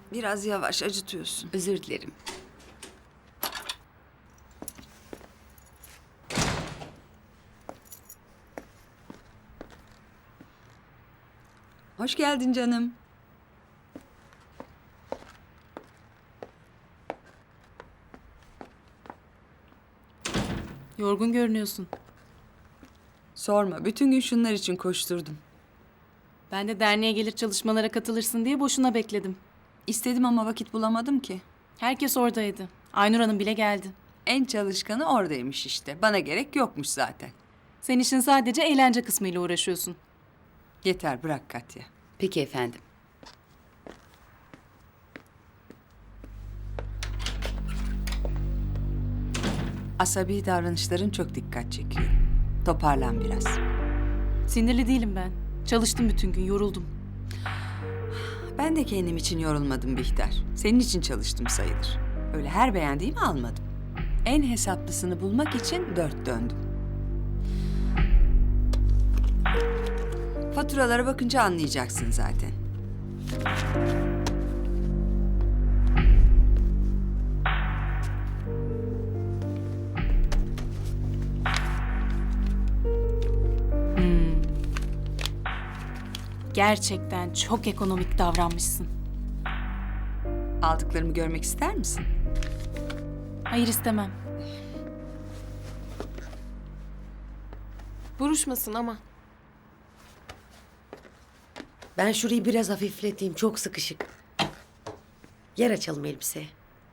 Biraz yavaş, acıtıyorsun. Özür dilerim. Hoş geldin canım. Yorgun görünüyorsun. Sorma, bütün gün şunlar için koşturdum. Ben de derneğe gelir çalışmalara katılırsın diye boşuna bekledim. İstedim ama vakit bulamadım ki. Herkes oradaydı. Aynur Hanım bile geldi. En çalışkanı oradaymış işte. Bana gerek yokmuş zaten. Sen işin sadece eğlence kısmıyla uğraşıyorsun. Yeter, bırak Katya. Peki efendim. Asabi davranışların çok dikkat çekiyor. Toparlan biraz. Sinirli değilim ben. Çalıştım bütün gün, yoruldum. Ben de kendim için yorulmadım Bihter. Senin için çalıştım sayılır. Öyle her beğendiğimi almadım. En hesaplısını bulmak için 4 döndüm. Faturalara bakınca anlayacaksın zaten. Gerçekten çok ekonomik davranmışsın. Aldıklarımı görmek ister misin? Hayır, istemem. Buruşmasın ama. Ben şurayı biraz hafifleteyim. Çok sıkışık. Yer açalım elbiseye.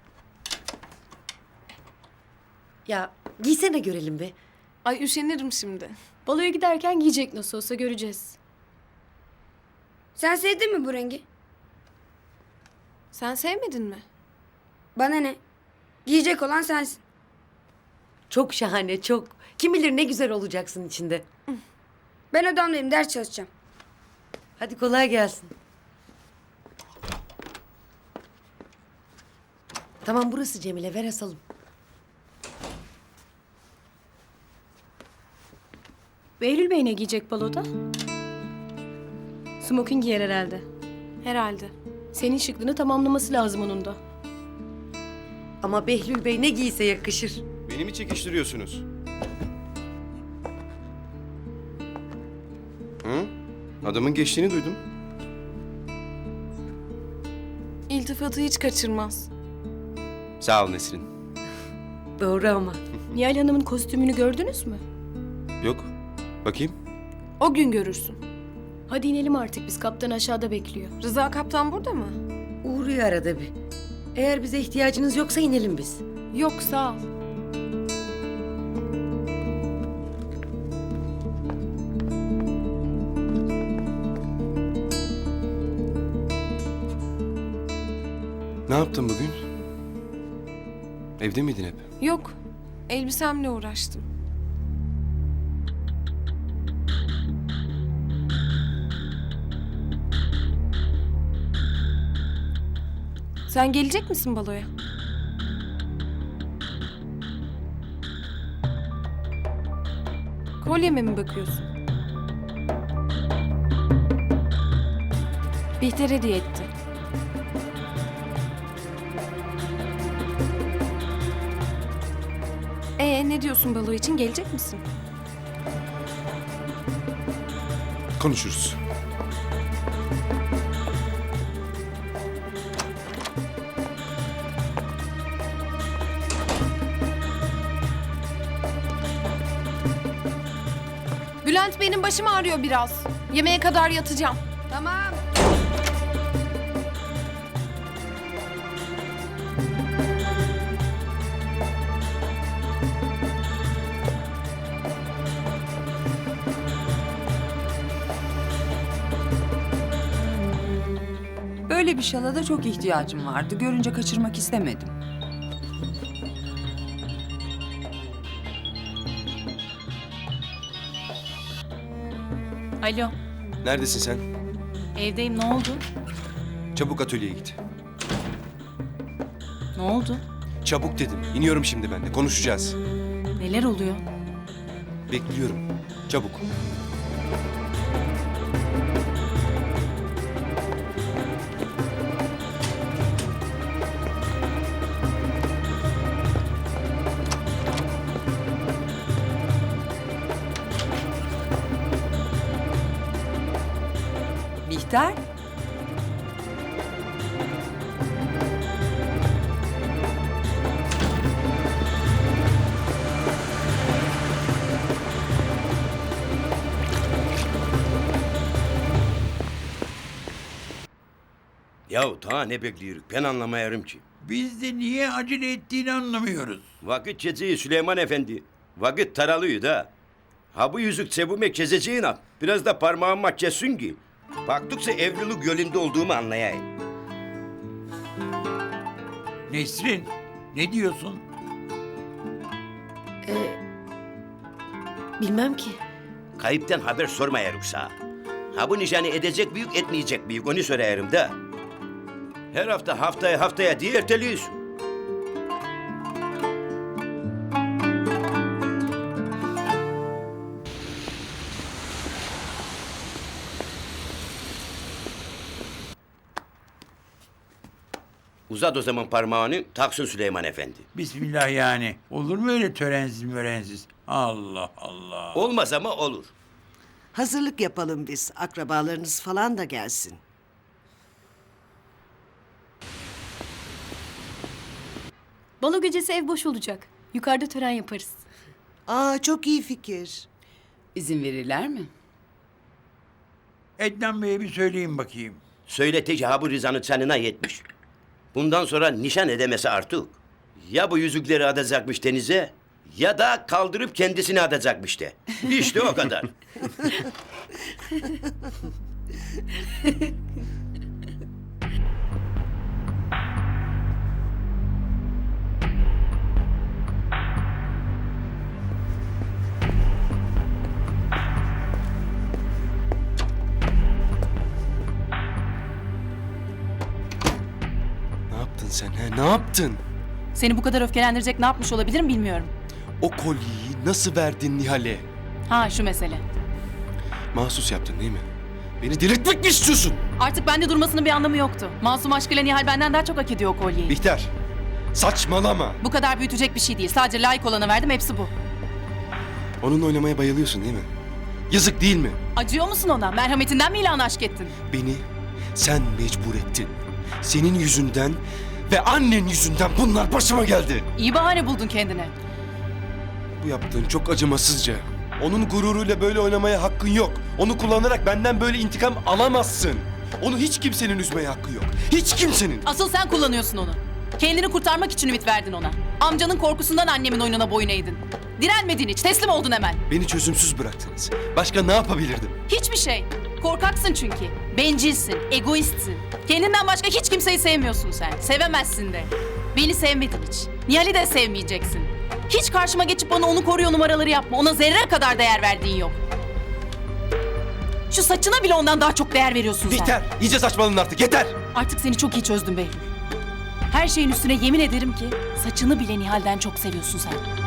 Ya giysene görelim be. Ay üşenirim şimdi. Baloya giderken giyecek nasıl olsa göreceğiz. Sen sevdin mi bu rengi? Sen sevmedin mi? Bana ne? Giyecek olan sensin. Çok şahane, çok. Kim bilir ne güzel olacaksın içinde. Ben odamdayım, ders çalışacağım. Hadi kolay gelsin. Tamam burası Cemile, ver asalım. Behlül Bey ne giyecek baloda? Smoking giyer herhalde. Herhalde. Senin şıklığını tamamlaması lazım onun da. Ama Behlül Bey ne giyse yakışır. Beni mi çekiştiriyorsunuz? Hı? Adamın geçtiğini duydum. İltifatı hiç kaçırmaz. Sağ ol Nesrin. Doğru ama. Nihal Hanım'ın kostümünü gördünüz mü? Yok. Bakayım. O gün görürsün. Hadi inelim artık, biz kaptan aşağıda bekliyor. Rıza kaptan burada mı? Uğruyor arada bir. Eğer bize ihtiyacınız yoksa inelim biz. Yok, sağ ol. Ne yaptın bugün? Evde miydin hep? Yok. Elbisemle uğraştım. Sen gelecek misin baloya? Kolyeme mi bakıyorsun? Bihter hediye etti. Ne diyorsun balo için, gelecek misin? Konuşuruz. Bülent, benim başım ağrıyor biraz. Yemeğe kadar yatacağım. Tamam. Böyle bir şala da çok ihtiyacım vardı. Görünce kaçırmak istemedim. Alo, Neredesin sen? evdeyim, ne oldu? Çabuk atölyeye git. Ne oldu? Çabuk dedim. İniyorum şimdi ben de. Konuşacağız. Neler oluyor? Bekliyorum. Çabuk. Bihter. Yahu daha ne bekliyoruz? Ben anlamayarım ki. Biz de niye acele ettiğini anlamıyoruz. Vakit geçiyor Süleyman Efendi. Vakit taralıyor da. Ha bu yüzük cebime keseceğin at. Biraz da parmağıma kessin ki. Baktıkça evlilik yolunda olduğumu anlayayım. Nesrin, ne diyorsun? Bilmem ki. Kayıptan haber sormayarım sana. Ha bu nişanı edecek büyük etmeyecek büyük onu sorarım da. Her hafta haftaya diye erteliyorsun. Uzat o zaman parmağını, taksın Süleyman Efendi. Bismillah yani. Olur mu öyle törensiz mörensiz? Allah Allah. Olmaz ama olur. Hazırlık yapalım biz. Akrabalarınız falan da gelsin. Balo gecesi ev boş olacak. Yukarıda tören yaparız. Aa, çok iyi fikir. İzin verirler mi? Ednan Bey'e bir söyleyeyim bakayım. Söyletici ha bu Rıza'nın canına yetmiş. Bundan sonra nişan edemesi artık. Ya bu yüzükleri atacakmış denize ya da kaldırıp kendisini atacakmış de. İşte o kadar. Ne yaptın sen he? Ne yaptın? Seni bu kadar öfkelendirecek ne yapmış olabilirim bilmiyorum. O kolyeyi nasıl verdin Nihal'e? Ha şu mesele. Mahsus yaptın değil mi? Beni delirtmek mi istiyorsun? Artık bende durmasının bir anlamı yoktu. Masum aşkıyla Nihal benden daha çok hak ediyor o kolyeyi. Bihter, saçmalama. Bu kadar büyütecek bir şey değil. Sadece layık olana verdim, hepsi bu. Onunla oynamaya bayılıyorsun değil mi? Yazık değil mi? Acıyor musun ona? Merhametinden mi ilan aşk ettin? Beni sen mecbur ettin. Senin yüzünden ve annen yüzünden bunlar başıma geldi. İyi bahane buldun kendine. Bu yaptığın çok acımasızca. Onun gururuyla böyle oynamaya hakkın yok. Onu kullanarak benden böyle intikam alamazsın. Onu hiç kimsenin üzmeye hakkı yok. Hiç kimsenin. Asıl sen kullanıyorsun onu. Kendini kurtarmak için ümit verdin ona. Amcanın korkusundan annemin oyununa boyun eğdin. Direnmedin hiç, teslim oldun hemen. Beni çözümsüz bıraktınız. Başka ne yapabilirdim? Hiçbir şey. Korkaksın çünkü. Bencilsin, egoistsin. Kendinden başka hiç kimseyi sevmiyorsun sen. Sevemezsin de. Beni sevmedin hiç. Nihal'i de sevmeyeceksin. Hiç karşıma geçip bana onu koruyor numaraları yapma. Ona zerre kadar değer verdiğin yok. Şu saçına bile ondan daha çok değer veriyorsun sen. Bihter, iyice saçmaladın artık. Yeter. Artık seni çok iyi çözdüm Behlül. Her şeyin üstüne yemin ederim ki saçını bile Nihal'den çok seviyorsun sen.